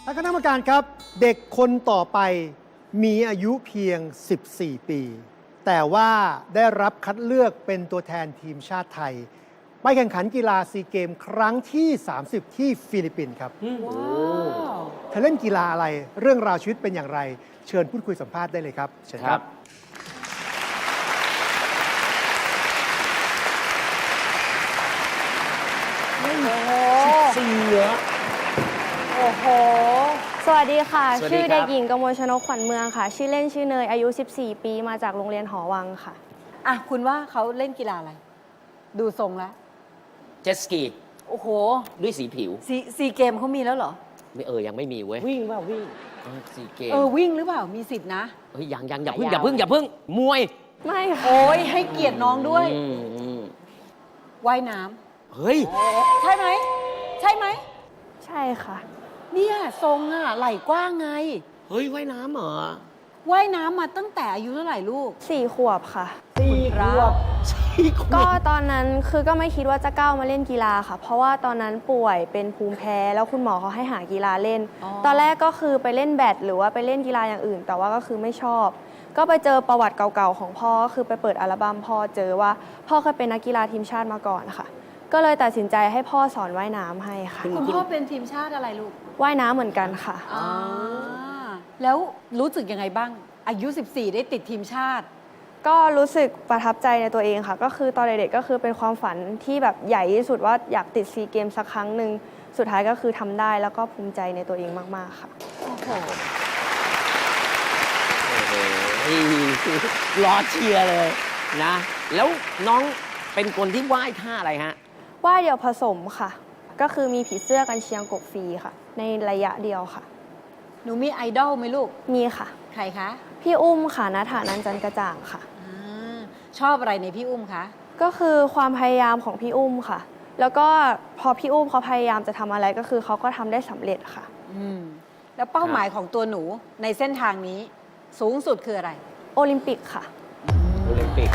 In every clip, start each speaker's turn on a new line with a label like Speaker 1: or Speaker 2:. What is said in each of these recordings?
Speaker 1: ท่านคณะกรรมการครับเด็กคนต่อไปมีอายุเพียง 14 ปี แต่ว่าได้รับคัดเลือกเป็นตัวแทนทีมชาติไทย ไปแข่งขันกีฬาซีเกมครั้งที่ 30 ที่ฟิลิปปินส์ครับเธอเล่นกีฬาอะไรเรื่องราวชีวิตเป็นอย่างไร เชิญพูดคุยสัมภาษณ์ได้เลยครับเชิญครับ
Speaker 2: โอ้โห
Speaker 3: สวัสดีค่ะ
Speaker 2: สวัสดี
Speaker 3: ชื่อ
Speaker 2: ครับ
Speaker 3: เด็กหญิงกมลชนกขวัญเมืองค่ะ ชื่อเล่นชื่อเนย อายุ 14 ปี มาจากโรงเรียนหอวังค่ะ
Speaker 4: อ่ะคุณว่าเขาเล่นกีฬาอะไร ดูทรงแล้ว
Speaker 2: เจ็ตสกี
Speaker 4: โอ้โห
Speaker 2: ด้วยสีผิว
Speaker 4: ซีเกมเขามีแล้วเหรอ
Speaker 2: ไม่ยังไม่มีเว้ย
Speaker 5: วิ่งเปล่าวิ่ง
Speaker 2: สีเกม
Speaker 4: วิ่งหรือเปล่ามีสิทธินะ
Speaker 2: เฮ้ยยังอย่าเพิ่งมวย
Speaker 3: ไม่ค่ะ
Speaker 4: โอ้ยให้เกียรติน้องด้วย ว่ายน้
Speaker 2: เฮ้ย
Speaker 4: ำใช่ไหมใช่ไหม
Speaker 3: ใช่ค่ะ
Speaker 4: เนี่ยทรงอ่ะไหล่กว้างไง
Speaker 2: เฮ้ยว่ายน้ำเหรอ
Speaker 4: ว่ายน้ำมาตั้งแต่อายุเท่าไหร่ลูก
Speaker 3: 4 ขวบค่ะ
Speaker 4: 4 ขวบ
Speaker 3: ก็ตอนนั้นคือก็ไม่คิดว่าจะก้าวมาเล่นกีฬาค่ะ เพราะว่าตอนนั้นป่วยเป็นภูมิแพ้ แล้วคุณหมอเขาให้หากีฬาเล่น ตอนแรกก็คือไปเล่นแบดหรือว่าไปเล่นกีฬาอย่างอื่น แต่ว่าก็คือไม่ชอบ ก็ไปเจอประวัติเก่าๆของพ่อก็คือไปเปิดอัลบั้มพ่อเจอว่าพ่อเคยเป็นนักกีฬาทีมชาติมาก่อนค่ะ ก็เลยตัดสินใจให้พ่อสอนว่ายน้ำให้ค่ะ
Speaker 4: คุณพ่อเป็นทีมชาติอะไรลูก
Speaker 3: ว่ายน้ำเหมือนกันค่ะ
Speaker 4: แล้วรู้สึกยังไงบ้าง อายุ 14 ได้ติดทีมชาติ
Speaker 3: ก็รู้สึกประทับใจในตัวเองค่ะ ก็คือตอนเด็กๆก็คือเป็นความฝันที่แบบใหญ่ที่สุดว่าอยากติดซีเกมสักครั้งหนึ่งสุดท้ายก็คือทำได้แล้วก็ภูมิใจในตัวเองมากๆค่ะ
Speaker 4: โอ้โห
Speaker 2: รอเชียร์เลยนะ แล้วน้องเป็นคนที่ว่ายท่าอะไรฮะ
Speaker 3: ว่ายเดี่ยวผสมค่ะ ก็คือมีผีเสื้อกันเชียงกบฟรีค่ะ ในระยะเดียวค่ะ
Speaker 4: หนูมีไอดอลไหมลูก
Speaker 3: มีค่ะ
Speaker 4: ใครคะ
Speaker 3: พี่อุ้มค่ะณฐานันจันทร์กระจ่างค่ะ
Speaker 4: ชอบอะไรในพี่อุ้มคะ
Speaker 3: ก็คือความพยายามของพี่อุ้มค่ะ แล้วก็พอพี่อุ้มเขาพยายามจะทำอะไรก็คือเขาก็ทำได้สำเร็จค่ะ
Speaker 4: แล้วเป้าหมายของตัวหนูในเส้นทางนี้ สูงสุดคืออะไร
Speaker 3: โอลิมปิกค่ะ
Speaker 2: โอลิมปิก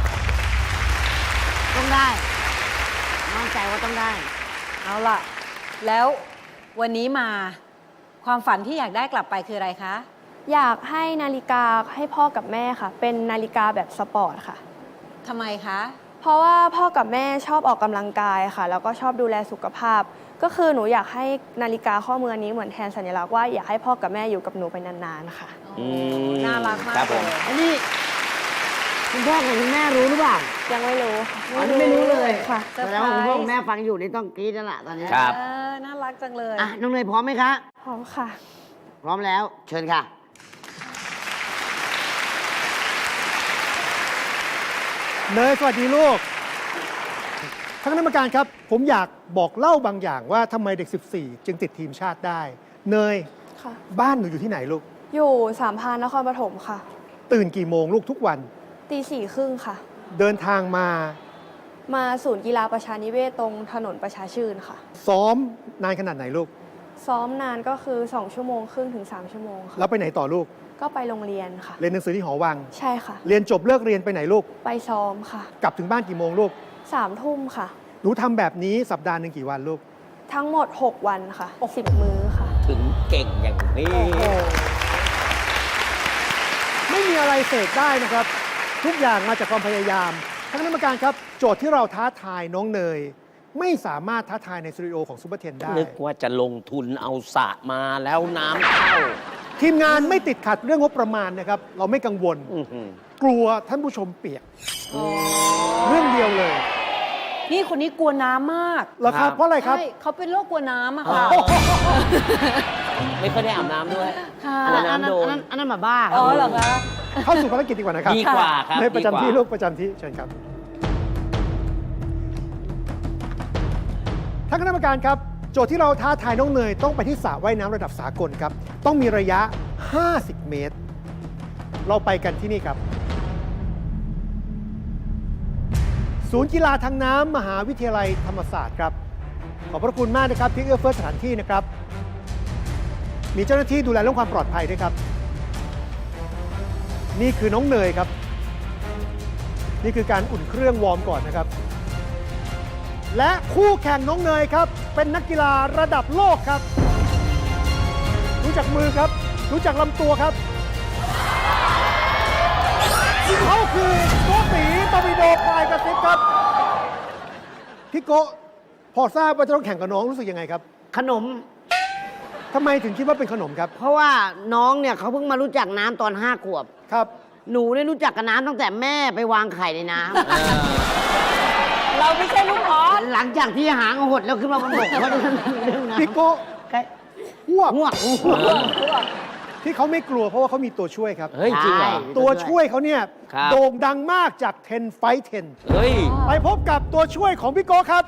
Speaker 5: ต้องได้มั่นใจว่าต้องได้
Speaker 4: เอาล่ะ แล้ววันนี้มาความฝันที่อยากได้กลับไปคืออะไรคะ
Speaker 3: อยากให้นาฬิกาให้พ่อกับแม่ค่ะ เป็นนาฬิกาแบบสปอร์ตค่ะ
Speaker 4: ทำไมคะ
Speaker 3: เพราะว่าพ่อกับแม่ชอบออกกำลังกายค่ะ แล้วก็ชอบดูแลสุขภาพ ก็คือหนูอยากให้นาฬิกาข้อมือนี้เหมือนแทนสัญลักษณ์ว่าอยากให้พ่อกับแม่อยู่กับหนูไปนานๆค่ะ
Speaker 4: น่ารักมาก
Speaker 2: ครับผม
Speaker 4: เลย
Speaker 5: อันนี้คุณพ่อกับคุณแม่รู้หรือเปล่า
Speaker 3: ยังไม่รู้ค่ะ
Speaker 5: อันนี้ไม่รู้เลย
Speaker 3: ค่ะ
Speaker 4: เซอร์
Speaker 5: แส
Speaker 4: ไพรส์
Speaker 5: ดงว่าคุณพ่อคุณแม่ฟังอยู่นี่ต้องกรี๊ดแล้วล่ะตอนนี้
Speaker 2: ครับ
Speaker 4: น่ารักจังเลย
Speaker 5: อ่ะน้องเนยพร้อมไหมคะ
Speaker 3: พร้อมค่ะ
Speaker 5: พร้อมแล้ว เชิญค่ะ
Speaker 1: เนยสวัสดีลูกท่านคณะกรรมการครับ ผมอยากบอกเล่าบางอย่างว่าทำไมเด็ก 14 จึงติดทีมชาติได้ เนย
Speaker 3: ค่ะ
Speaker 1: บ้านหนูอยู่ที่ไหนลูก
Speaker 3: อยู่สามพรานนครปฐมค่ะ
Speaker 1: ตื่นกี่โมงลูกทุกวัน
Speaker 3: 4:30ค่ะ
Speaker 1: เดินทางมา
Speaker 3: มาศูนย์กีฬาประชานิเวศตรงถนนประชาชื่นค่ะ
Speaker 1: ซ้อมนานขนาดไหนลูก
Speaker 3: ซ้อมนานก็คือ2 ชั่วโมงครึ่งถึง3 ชั่วโมงค่ะ
Speaker 1: แล้วไปไหนต่อลูก
Speaker 3: ก็ไปโรงเรียนค่ะ
Speaker 1: เรียนหนังสือที่หอวัง
Speaker 3: ใช่ค่ะ
Speaker 1: เรียนจบเลิกเรียนไปไหนลูก
Speaker 3: ไปซ้อมค่ะ
Speaker 1: กลับถึงบ้านกี่โมงลูก
Speaker 3: 3 ทุ่มค่ะ
Speaker 1: หนูทำแบบนี้สัปดาห์หนึ่งกี่วันลูก
Speaker 3: ทั้งหมด 6 วันค่ะ 10 มื้อค่ะ
Speaker 2: ถึงเก่งอย่างนี้
Speaker 1: ไม่มีอะไรเสกได้นะครับ ทุกอย่างมาจากความพยายามท่านคณะกรรมการครับ โจทย์ที่เราท้าทายน้องเนย ไม่สามารถท้าทายในสตูดิโอของซูเปอร์เทนได้
Speaker 2: นึกว่าจะลงทุนเอาสระมาแล้วน้ำเข้า
Speaker 1: ทีมงานไม่ติดขัดเรื่องงบประมาณนะครับ เราไม่กังวล
Speaker 2: อื้อหือ
Speaker 1: กลัวท่านผู้ชมเปียกเรื่องเดียวเลย
Speaker 4: นี่คนนี้กลัวน้ำมาก
Speaker 1: เหรอครับเพราะอะไรครับ
Speaker 4: ใช่เขาเป็นโรคกลัวน้ำอะค่ะ
Speaker 2: ไม่ค่อยได้อาบน้ำด้วย
Speaker 4: ค่ะ
Speaker 5: อันนั้น
Speaker 2: น้ำโดน
Speaker 5: อันนั้นหมาบ้าครั
Speaker 4: อ๋อเหรอคะ
Speaker 1: เข้าสู่ภารกิจดีกว่านะครับ
Speaker 2: ดีกว่าครับ
Speaker 1: ในประจำที่
Speaker 2: ดีกว่า
Speaker 1: ลูกประจำที่เชิญครับท่านคณะกรรมการครับ โจทย์ที่เราท้าทายน้องเนยต้องไปที่สระว่ายน้ำระดับสากลครับ ต้องมีระยะ 50 เมตร เราไปกันที่นี่ครับ ศูนย์กีฬาทางน้ำมหาวิทยาลัยธรรมศาสตร์ครับ ขอบพระคุณมากนะครับที่เอื้อเฟื้อสถานที่นะครับ มีเจ้าหน้าที่ดูแลเรื่องความปลอดภัยด้วยครับ นี่คือน้องเนยครับ นี่คือการอุ่นเครื่องวอร์มก่อนนะครับ และคู่แข่งน้องเนยครับ เป็นนักกีฬาระดับโลกครับจากมือครับ ดูจากลำตัวครับเขาคือโกตีตอร์ปิโดปลายกระซิบครับพี่โกพอทราบว่าจะต้องแข่งกับน้องรู้สึกยังไงครับ
Speaker 5: ขนม
Speaker 1: ทำไมถึงคิดว่าเป็นขนมครับ
Speaker 5: เพราะว่าน้องเนี่ยเขาเพิ่งมารู้จักน้ำตอน5 ขวบ
Speaker 1: ครับ
Speaker 5: หนูเนี่ยรู้จักกับน้ำตั้งแต่แม่ไปวางไข่ในน้
Speaker 4: เราไม่ใช่ลูกออส
Speaker 5: ำ หลังจากที่หางหดแล้วขึ้นมาบนบกเพราะฉะนั้นเรื่องน้ำ
Speaker 1: พี่โก
Speaker 5: ใกล้
Speaker 1: หวก
Speaker 5: ง่วง
Speaker 1: ที่เขาไม่กลัวเพราะว่าเขามีตัวช่วยครับ
Speaker 2: เฮ้ย จริงเหรอ
Speaker 5: ใช่
Speaker 1: ตัวช่วยเขาเนี่ย
Speaker 2: ครับ
Speaker 1: โด่งดังมากจาก 10 Fight 10
Speaker 2: เฮ้ย
Speaker 1: ไปพบกับตัวช่วยของพี่โก้ครับ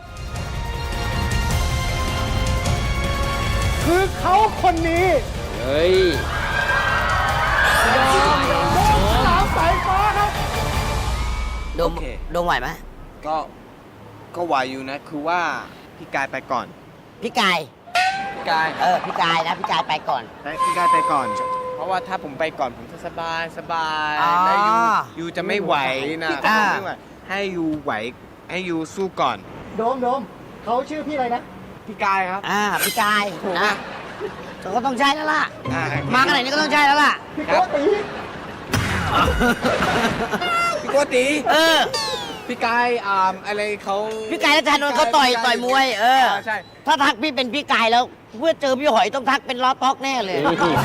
Speaker 1: คือเขาคนนี้
Speaker 2: เฮ้ย
Speaker 1: โดมสาวสายฟ้าครับ
Speaker 5: โดม
Speaker 6: โอเค
Speaker 5: โดมไหวไหม
Speaker 6: ก็ไหวอยู่นะ คือว่าพี่กายไปก่อน
Speaker 5: พี่กาย
Speaker 6: พี่กาย
Speaker 5: พี่กายนะพี่กายไปก่อน
Speaker 6: พี่กายไปก่อน เพราะว่าถ้าผมไปก่อนผมจะสบาย
Speaker 5: อ๋อ
Speaker 6: แล้วยูจะไม่ไหวนะ
Speaker 5: อ่า
Speaker 6: ผมไม่ไหวให้ยูไหวให้ยูสู้ก่อน
Speaker 1: โดมเขาชื่อพี่อะไรนะ
Speaker 6: พี่กายครับ
Speaker 5: พี่กาย
Speaker 6: ถูก
Speaker 5: นะ
Speaker 6: นะ
Speaker 5: ก็ต้องใช้แล้วล่ะ
Speaker 6: อ่
Speaker 5: มาขนาดนี้ก็ต้องใช้แล้วล่ะ
Speaker 1: พี่โก้ตี
Speaker 6: พี่โกติ พี่กายอะไรเขา
Speaker 5: พี่กายและจานนท์เขาต่อยมวย
Speaker 6: ใช่
Speaker 5: ถ้าทักพี่เป็นพี่กายแล้วเพื่อเจอพี่หอยต้องทักเป็นล้อต๊อกแน่เลย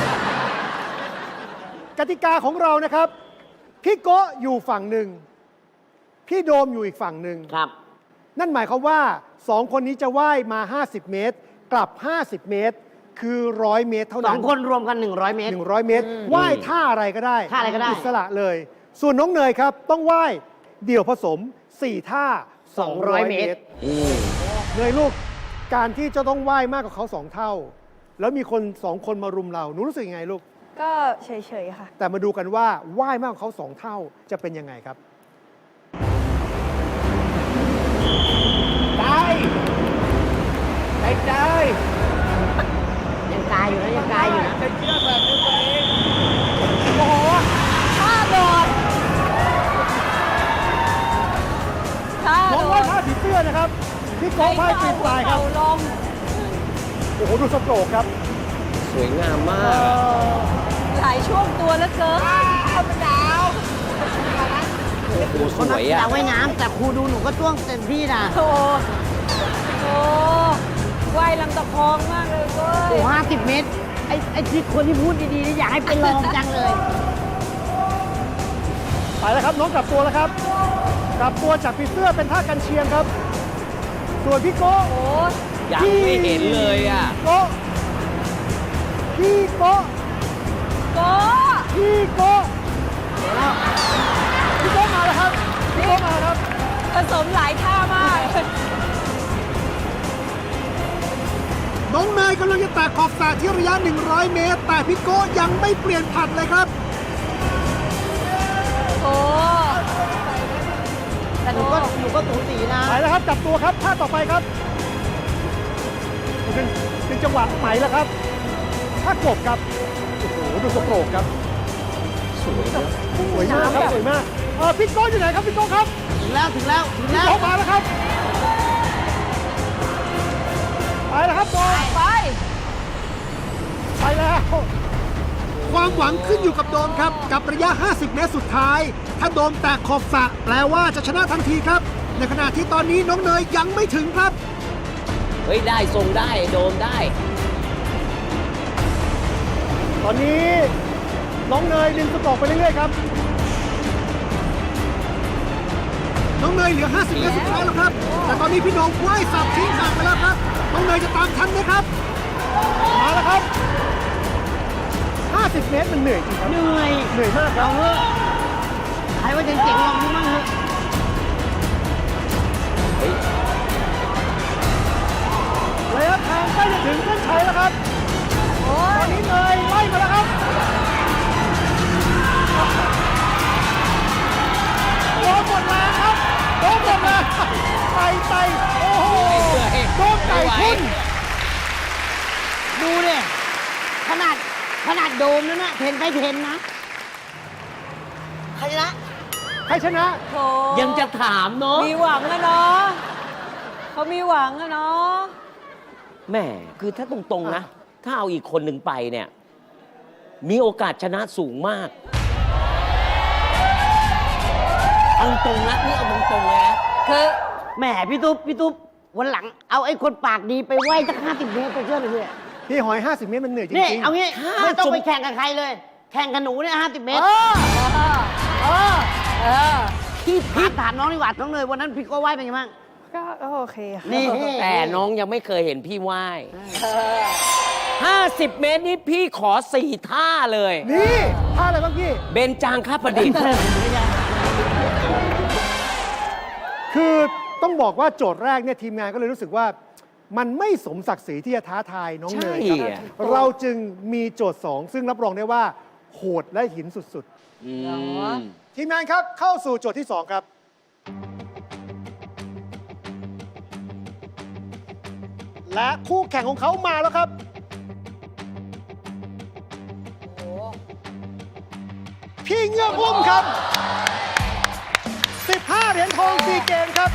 Speaker 1: กติกาของเรานะครับ พี่โก้อยู่ฝั่งหนึ่ง พี่โดมอยู่อีกฝั่งหนึ่ง
Speaker 5: ครับ
Speaker 1: นั่นหมายความว่า 2 คนนี้จะว่ายมา 50 เมตร กลับ 50 เมตร คือ 100 เมตรเท่า
Speaker 5: ส
Speaker 1: นั้
Speaker 5: อน งคนรวมกัน 100 เมตร
Speaker 1: 100 เมตร ว่ายท่าอะไรก็ได้
Speaker 5: ท่าอะไรก็ได้
Speaker 1: อิสระเลย ส่วนน้องเนยครับ ต้องว่ายเดี่ยวผสม 4 ท่า 200 เมตร เนยลูก การที่จะต้องว่ายมากกว่าเขา 2 เท่า แล้วมีคน 2 คนมารุมเรา หนูรู้สึกยังไงลูก
Speaker 3: ก็เฉยๆค่ะ
Speaker 1: แต่มาดูกันว่าว่ายมากกว่าเขา 2 เท่าจะเป็นยังไงครับ
Speaker 6: ได้
Speaker 5: ยังกายอยู่นะยังกายอยู่นะ
Speaker 6: จะเชื่อแบบนี้ตัวเอง
Speaker 1: โอ้โห
Speaker 4: ท่าโดดท่า
Speaker 1: น้อง
Speaker 4: โด
Speaker 1: ว่าย
Speaker 4: ด
Speaker 1: ท่าผีเสื้อนะครับ พี่โก้ว่ายปีนปลายครับ
Speaker 4: ลม
Speaker 1: โอ้โห ดูสโตรกครับ
Speaker 2: สวยงามมาก
Speaker 4: หลายช่วงตัวแล้วเกิน
Speaker 2: โอ้โหส
Speaker 5: คนนัก
Speaker 2: วย
Speaker 5: กีฬา
Speaker 2: อ่ะ
Speaker 5: ว่ายน้ำแต่ครูดูหนูก็จ้วงเต็มที่นะ
Speaker 4: โอ้โหว่ายลำตะคองมากเลยเว้
Speaker 5: โอ้
Speaker 4: ย
Speaker 5: 50 เมตร ไอ้ที่คนที่พูดดีๆนี่อยากให้เป็นรองจังเลย
Speaker 1: ไปแล้วครับ น้องกลับตัวแล้วครับ กลับตัวจากผีเสื้อเป็นท่ากันเชียงครับ ส่วนพี่โก้
Speaker 4: โอ้
Speaker 2: ยังไม่เห็นเลยอ่ะ
Speaker 1: โก้พี่โก้
Speaker 4: โก้
Speaker 1: พี่โก้พี่โก้มาแล้วครับ พี่โก้มาแล้วครับ
Speaker 4: ผสมหลายท่ามาก
Speaker 1: น้องเนยกำลังจะแตะขอบสระที่ระยะ 100 เมตร แต่พี่โก้ยังไม่เปลี่ยนผัดเลยครับ
Speaker 4: โอ้
Speaker 5: แต่หนูก็สูสีนะ
Speaker 1: ไปแล้วครับกลับตัวครับท่าต่อไปครับเป็นจังหวะไหมแล้วครับท่ากบครับ โอ้โห ดูสโตรกครับ สวยมากครับ สวยมากพี่โก้อยู่ไหนครับพี่โก้ครับ
Speaker 5: ถึงแล้ว
Speaker 1: พี่โก้มาแล้วครับ ไปแล้วครับโดม
Speaker 4: ไป
Speaker 1: ไปแล้ว ความหวังขึ้นอยู่กับโดมครับ กับระยะ 50 เมตรสุดท้าย ถ้าโดมแตะขอบสระแปลว่าจะชนะทันทีครับ ในขณะที่ตอนนี้น้องเนยยังไม่ถึงครับ
Speaker 2: เฮ้ย ได้ทรงได้ โดมได้
Speaker 1: ตอนนี้น้องเนยดึงสตอกไปเรื่อยๆครับ น้องเนยเหลือ 50 เมตรสุดท้ายแล้วครับ แต่ตอนนี้พี่โดมว่ายสับทิ้งห่างไปแล้วครับ น้องเนยจะตามทันไหมครับ มาแล้วครับ 50 เมตรมันเหนื่อยจริงครับ
Speaker 5: เหนื่อย
Speaker 1: เหนื่อยมากครับ
Speaker 5: ใครว่าเจ๋งๆลองดูมั่งเถอะ
Speaker 1: ระยะทางใกล้จะถึงเส้นชัยแล้วครับตอนนี้เนยไล่มาแล้วครับโดนหมดแรงครับโดนหมดแรงไต่โอ้โหโดนไก่ขึ้น
Speaker 5: ดูดิขนาดโดมนั่นนะ10 ไป 10นะ ใครชนะ
Speaker 1: ใครชนะ
Speaker 4: โถ
Speaker 2: ยังจะถามเนาะ
Speaker 4: มีหวังอะเนาะเขามีหวังอะเนาะ
Speaker 2: แม่คือถ้าตรงๆนะ ถ้าเอาอีกคนหนึ่งไปเนี่ยมีโอกาสชนะสูงมาก เอาตรงนะนี่เอาตรงๆเลยนะ
Speaker 4: คือ
Speaker 5: แหมพี่ตุ๊บวันหลังเอาไอ้คนปากดีไปไหว้สัก50 เมตรไปเชื่อเลยพี่
Speaker 1: พี่หอย 50 เมตรมันเหนื่อยจ
Speaker 5: นี่
Speaker 1: ริง
Speaker 5: เอางี้
Speaker 2: ถ้า
Speaker 5: ไม่ต้อง
Speaker 2: สม
Speaker 5: ไปแข่งกับใครเลย แข่งกับหนูเนี่ย50 เมตร พี่ถามน้องดีกว่าน้องเนยวันนั้นพี่ก็ไหว้เป็นไงบ้าง
Speaker 3: ก็โอเคค่ะ
Speaker 5: นี่
Speaker 2: แต่น้องยังไม่เคยเห็นพี่ไหว้50 เมตรนี่พี่ขอ 4 ท่าเลย
Speaker 1: ๆ นี่ท่าอะไรบ้างพี่
Speaker 2: เบญจางคประดิษฐ์
Speaker 1: คือต้องบอกว่าโจทย์แรกเนี่ยทีมงานก็เลยรู้สึกว่า มันไม่สมศักดิ์ศรีที่จะท้าทายน้องเนยค
Speaker 2: ใช่
Speaker 1: รับ
Speaker 2: อะ
Speaker 1: เราจึงมีโจทย์ 2 ซึ่งรับรองได้ว่า โหดและหินสุด
Speaker 2: อืม
Speaker 1: ๆ ทีมงานครับเข้าสู่โจทย์ที่ 2 ครับ และคู่แข่งของเขามาแล้วครับ พี่เงือกอุ้มครับ 15 เหรียญทองซีเกมครับ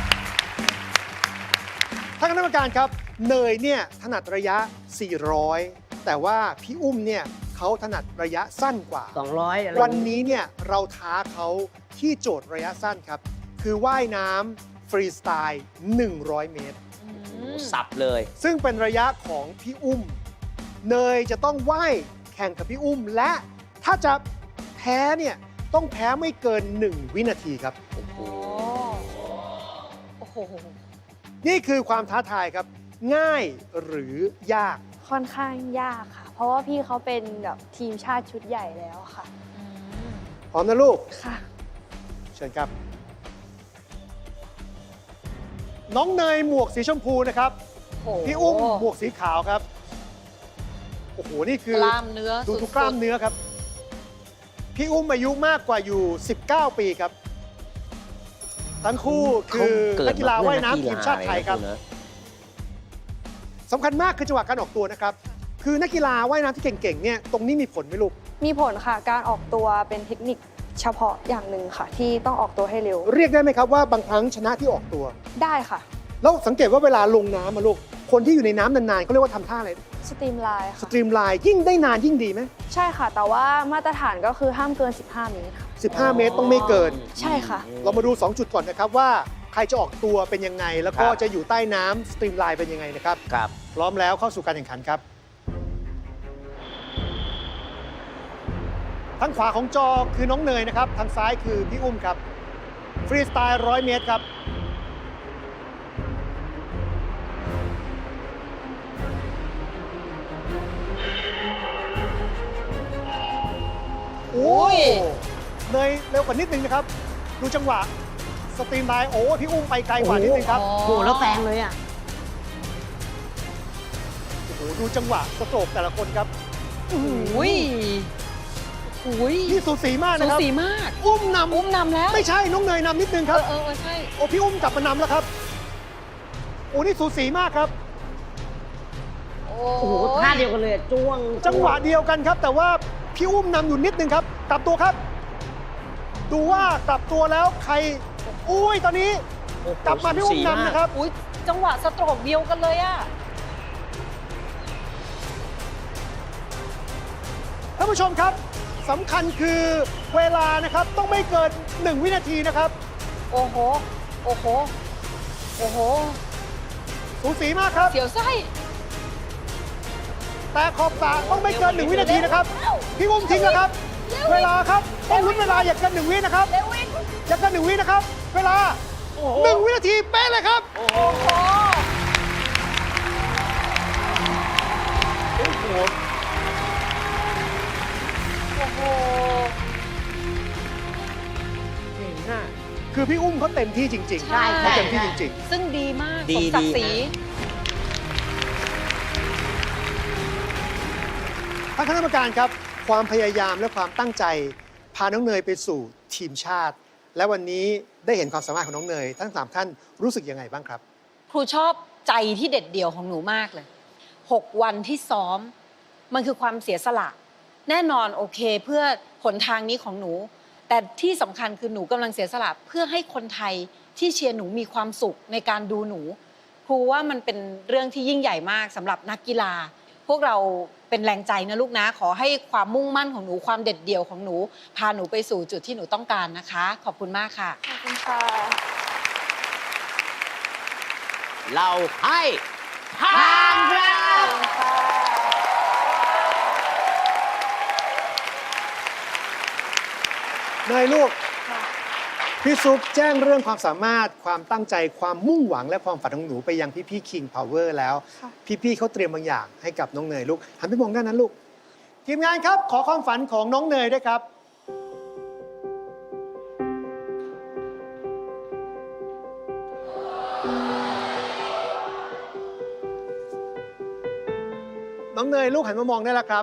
Speaker 1: ท่านคณะกรรมการครับ เนยเนี่ยถนัดระยะ 400 แต่ว่าพี่อุ้มเนี่ยเขาถนัดระยะสั้นกว่า
Speaker 5: 200อะไร
Speaker 1: วันนี้เนี่ยเราท้าเขาที่โจทย์ระยะสั้นครับ คือว่ายน้ำฟรีสไตล์ 100 เมตร
Speaker 2: สับเลย
Speaker 1: ซึ่งเป็นระยะของพี่อุ้ม เนยจะต้องว่ายแข่งกับพี่อุ้ม และถ้าจะแพ้เนี่ยต้องแพ้ไม่เกิน 1 วินาทีครับ
Speaker 4: โอ้โห
Speaker 1: นี่คือความท้าทายครับ ง่ายหรือยาก
Speaker 3: ค่อนข้างยากค่ะ เพราะว่าพี่เขาเป็นแบบทีมชาติชุดใหญ่แล้วค่ะ
Speaker 1: พร้อมนะลูก
Speaker 3: ค่ะ
Speaker 1: เชิญครับ น้องเนยหมวกสีชมพูนะครับ พี่อุ้มหมวกสีขาวครับ โอ้โห นี่คือก
Speaker 4: ล้ามเนื้อ
Speaker 1: ดู
Speaker 4: สุดๆ
Speaker 1: ทุกกล้ามเนื้อครับ พี่อุ้มอายุมากกว่าอยู่ 19 ปีครับ ทั้งคู่คือนักกีฬาว่ายน้ำทีมชาติไทยครับ สำคัญมากคือจังหวะการออกตัวนะครับ คือนักกีฬาว่ายน้ำที่เก่งๆ เนี่ยตรงนี้มีผลไหมลูก
Speaker 3: มีผลค่ะ การออกตัวเป็นเทคนิคเฉพาะอย่างหนึ่งค่ะ ที่ต้องออกตัวให้เร็ว
Speaker 1: เรียกได้ไหมครับว่าบางครั้งชนะที่ออกตัว
Speaker 3: ได้ค่ะ
Speaker 1: แล้วสังเกตว่าเวลาลงน้ำมาลูก คนที่อยู่ในน้ำนานๆเขาเรียกว่าทำท่าอะไร
Speaker 3: สตรีมไลน์
Speaker 1: ส
Speaker 3: ค่ะ
Speaker 1: ตรีมไลน์ยิ่งได้นานยิ่งดีไหม
Speaker 3: ใช่ค่ะ แต่ว่ามาตรฐานก็คือห้ามเกิน 15 เมตรค่ะ
Speaker 1: 15 เมตรต้องไม่เกิน
Speaker 3: ใช่ค่ะ
Speaker 1: เรามาดู 2 จุดก่อนนะครับว่าใครจะออกตัวเป็นยังไง แล้วก็จะอยู่ใต้น้ำสตรีมไลน์เป็นยังไงนะครับ
Speaker 2: ครับ
Speaker 1: พร้อมแล้วเข้าสู่การแข่งขันครับ ทางขวาของจอคือน้องเนยนะครับ ทางซ้ายคือพี่อุ้มครับ ฟรีสไตล์100 เมตรครับ โอ้ยเนยเร็วกว่านิดนึงนะครับ ดูจังหวะสตรีมไลน์โอ้พี่อุ้มไปไกลกว่านิดนึงครับ
Speaker 5: โอ้โหแล้วแซงเลยอ่ะ
Speaker 1: โอ้โหดูจังหวะสโตรกแต่ละคนครับ
Speaker 4: อุ้ยอุ้ย
Speaker 1: นี่สูสีมาก
Speaker 4: สู
Speaker 1: นะครับ
Speaker 4: สีมาก
Speaker 1: อุ้มนำ
Speaker 4: อุ้มนำแล้ว
Speaker 1: ไม่ใช่น้องเนยนำนิดนึงครับ
Speaker 4: ใช่
Speaker 1: โอ้พี่อุ้มกลับมานำแล้วครับ โอ้นี่สูสีมากครับ
Speaker 4: โอ้
Speaker 5: โอ้โหท่าเดียวกันเลยอะจ้วง
Speaker 1: จังหวะเดียวกันครับ แต่ว่าพี่อุ้มนำอยู่นิดนึงครับ กลับตัวครับ ดูว่ากลับตัวแล้วใครอุ้ยตอนนี้
Speaker 2: โอ้โห
Speaker 1: กลับมาพี่อุ้ม
Speaker 2: สูสีมาก
Speaker 1: นำนะครับ
Speaker 4: อุ้ยจังหวะสโตรกเดียวกันเลยอะ
Speaker 1: ท่านผู้ชมครับสำคัญคือเวลานะครับต้องไม่เกิน 1 วินาทีนะครับ
Speaker 4: โอ้โห โอ้โห โอ้โห
Speaker 1: สูสีมากครับ
Speaker 4: เสียวไส้
Speaker 1: แต่ขอบสระต้องไม่เกิน 1 วินาทีนะครับ พี่อุ้มทิ้งแล้วครับ เวลาครับต้องลุ้นเวลาอย่าเกิน 1 วินะครับ
Speaker 4: เร็ววิน
Speaker 1: อย่าเกิน 1 วินะครับ เวลา 1 วินาทีเป๊ะเลยครับ
Speaker 4: โอ้โห
Speaker 1: โอ้โห
Speaker 4: โอ้โห
Speaker 1: เก่งมากคือพี่อุ้มเขาเต็มที่จริงๆ
Speaker 4: ใช่
Speaker 1: เขาเต็มที่จริง
Speaker 4: ซึ่งดีมาก
Speaker 2: ดี
Speaker 4: สมศักดิ์ศรี
Speaker 2: ดี
Speaker 1: ท่านคณะกรรมการครับ ความพยายามและความตั้งใจ พาน้องเนยไปสู่ทีมชาติ และวันนี้ได้เห็นความสามารถของน้องเนย ทั้ง3ท่านรู้สึกยังไงบ้างครับ
Speaker 4: ครูชอบใจที่เด็ดเดี่ยวของหนูมากเลย 6 วันที่ซ้อม มันคือความเสียสละ แน่นอนโอเคเพื่อหนทางนี้ของหนู แต่ที่สำคัญคือหนูกำลังเสียสละเพื่อให้คนไทยที่เชียร์หนูมีความสุขในการดูหนู ครูว่ามันเป็นเรื่องที่ยิ่งใหญ่มากสำหรับนักกีฬา พวกเราเป็นเป็นแรงใจนะลูกนะ ขอให้ความมุ่งมั่นของหนูความเด็ดเดี่ยวของหนูพาหนูไปสู่จุดที่หนูต้องการนะคะ ขอบคุณมากค่ะ
Speaker 3: ขอบคุณค่ะ
Speaker 2: เราให้ผ่านครับ
Speaker 1: เนยลูก พี่ซุปแจ้งเรื่องความสามารถความตั้งใจความมุ่งหวังและความฝันของหนูไปยังพี่ๆ King Power แล้ว
Speaker 3: ค่ะ
Speaker 1: พี่ๆเขาเตรียมบางอย่างให้กับน้องเนยลูกหันไปมองด้านนั้นลูก ทีมงานครับขอความฝันของน้องเนยด้วยครับ น้องเนยลูกหันมามองได้แล้วครับ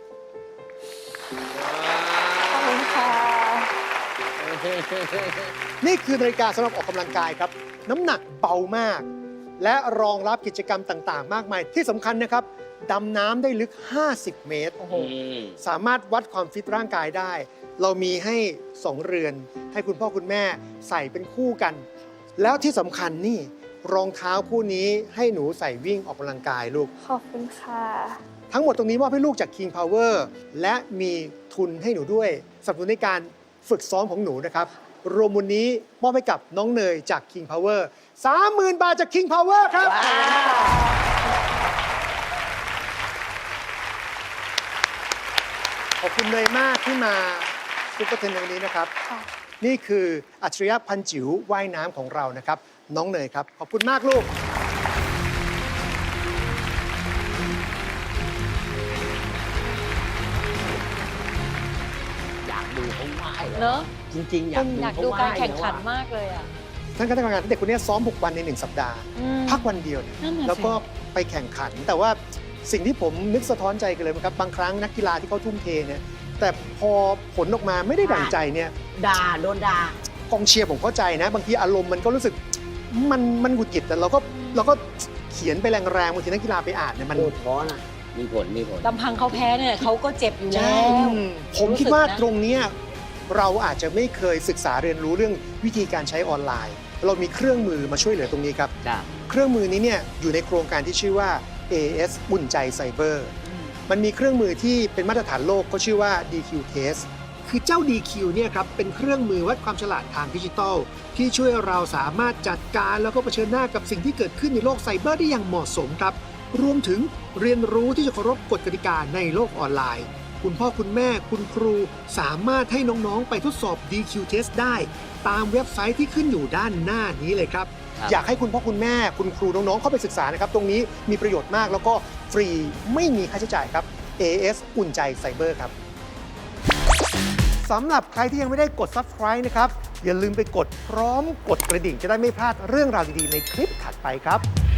Speaker 3: ขอบคุณค่ะ
Speaker 1: นี่คือนาฬิกาสำหรับออกกำลังกายครับ น้ำหนักเบามาก และรองรับกิจกรรมต่างๆ มากมายที่สำคัญนะครับดำน้ำได้ลึก 50 เมตร สามารถวัดความฟิตร่างกายได้ เรามีให้ 2 เรือน ให้คุณพ่อคุณแม่ใส่เป็นคู่กัน แล้วที่สำคัญนี่รองเท้าคู่นี้ให้หนูใส่วิ่งออกกำลังกายลูก
Speaker 3: ขอบคุณค่ะ
Speaker 1: ทั้งหมดตรงนี้มอบให้ลูกจาก King Power และมีทุนให้หนูด้วยสนับสนุนในการฝึกซ้อมของหนูนะครับ รวมมูลนี้มอบให้กับน้องเนยจาก King Power 30,000 บาทจาก King Power ครับ ขอบคุณเนยมากที่มาซุปเปอร์เทนในวันนี้นะครับ
Speaker 3: ค่ะ
Speaker 1: นี่คืออัจฉริยะพันจิ๋วว่ายน้ำของเรานะครับ น้องเนยครับ ขอบคุณมากลูก
Speaker 2: อยากดูเขาว่าย
Speaker 4: เนอะ
Speaker 2: จริงๆ อยากดู
Speaker 4: อยาก
Speaker 2: เขา
Speaker 4: ดู
Speaker 2: ว่าย
Speaker 4: การแข่งขัน
Speaker 2: ล้วอะ
Speaker 4: มากเลยอ่ะ
Speaker 1: ท่านคณะกรรมการเด็กคนนี้ซ้อม 6 วันใน 1 สัปดาห์ พักวันเดียวเนี่ย
Speaker 4: นั่นน่ะสิ
Speaker 1: แล้วก็ไปแข่งขัน แต่ว่าสิ่งที่ผมนึกสะท้อนใจกันเลยนะครับ บางครั้งนักกีฬาที่เขาทุ่มเทเนี่ย แต่พอผลออกมาไม่ได้ดั่งใจเนี่ย
Speaker 5: ด่าโดนด่า
Speaker 1: กองเชียร์ผมเข้าใจนะ บางทีอารมณ์มันก็รู้สึกมันหงุดหงิดแต่เราก็เขียนไปแรงๆบางทีนักกีฬาไปอ่านเนี่ยมัน
Speaker 5: โดนท้อนะ
Speaker 2: มีผล มีผล
Speaker 4: ลำพังเขาแพ้เนี่ยเขาก็เจ็บอยู่แล้ว
Speaker 1: ผมคิดว่า
Speaker 4: รู้สึกนะ
Speaker 1: ตรงเนี้ยเราอาจจะไม่เคยศึกษาเรียนรู้เรื่องวิธีการใช้ออนไลน์ เรามีเครื่องมือมาช่วยเหลือตรงนี้ครับ
Speaker 2: จ้ะ
Speaker 1: เครื่องมือนี้เนี่ยอยู่ในโครงการที่ชื่อว่า AS อุ่นใจไซเบอร์ มันมีเครื่องมือที่เป็นมาตรฐานโลกก็ชื่อว่า DQ Test คือเจ้า DQ เนี่ยครับเป็นเครื่องมือวัดความฉลาดทางดิจิทัล ที่ช่วยเราสามารถจัดการแล้วก็เผชิญหน้ากับสิ่งที่เกิดขึ้นในโลกไซเบอร์ได้อย่างเหมาะสมครับ รวมถึงเรียนรู้ที่จะเคารพกฎกติกาในโลกออนไลน์ คุณพ่อคุณแม่คุณครูสามารถให้น้องๆ ไปทดสอบ DQ Test ได้ ตามเว็บไซต์ที่ขึ้นอยู่ด้านหน้านี้เลยครับ
Speaker 2: ครับ
Speaker 1: อยากให้คุณพ่อคุณแม่คุณครูน้องๆเข้าไปศึกษานะครับ ตรงนี้มีประโยชน์มากแล้วก็ฟรีไม่มีค่าใช้จ่ายครับ AS อุ่นใจไซเบอร์ครับสำหรับใครที่ยังไม่ได้กด Subscribe นะครับ อย่าลืมไปกดพร้อมกดกระดิ่งจะได้ไม่พลาดเรื่องราวดีๆในคลิปถัดไปครับ